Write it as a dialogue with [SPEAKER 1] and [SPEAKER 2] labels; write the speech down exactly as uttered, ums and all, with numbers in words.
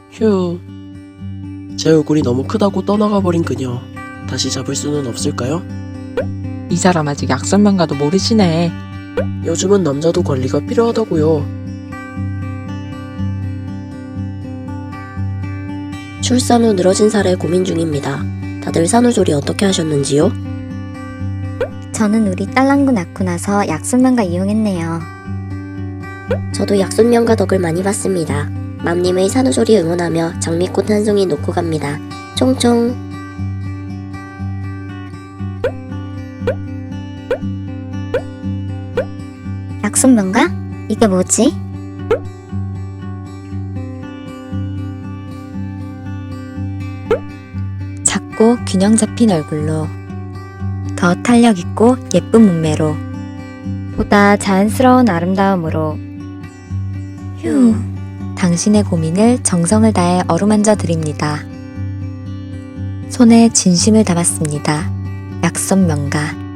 [SPEAKER 1] 휴. 제 얼굴이 너무 크다고 떠나가 버린 그녀. 다시 잡을 수는 없을까요?
[SPEAKER 2] 이 사람 아직 약선명가도 모르시네.
[SPEAKER 1] 요즘은 남자도 관리가 필요하다고요. 출산 후 늘어진 살에 고민 중입니다. 다들 산후조리 어떻게 하셨는지요?
[SPEAKER 3] 저는 우리 딸랑구 낳고 나서 약순명가 이용했네요.
[SPEAKER 4] 저도 약손명가 덕을 많이 봤습니다. 맘님의 산후조리 응원하며 장미꽃 한 송이 놓고 갑니다. 총총.
[SPEAKER 3] 약순명가? 이게 뭐지? 작고 균형 잡힌 얼굴로, 더 탄력 있고 예쁜 몸매로, 보다 자연스러운 아름다움으로. 휴. 당신의 고민을 정성을 다해 어루만져 드립니다. 손에 진심을 담았습니다. 약선명가.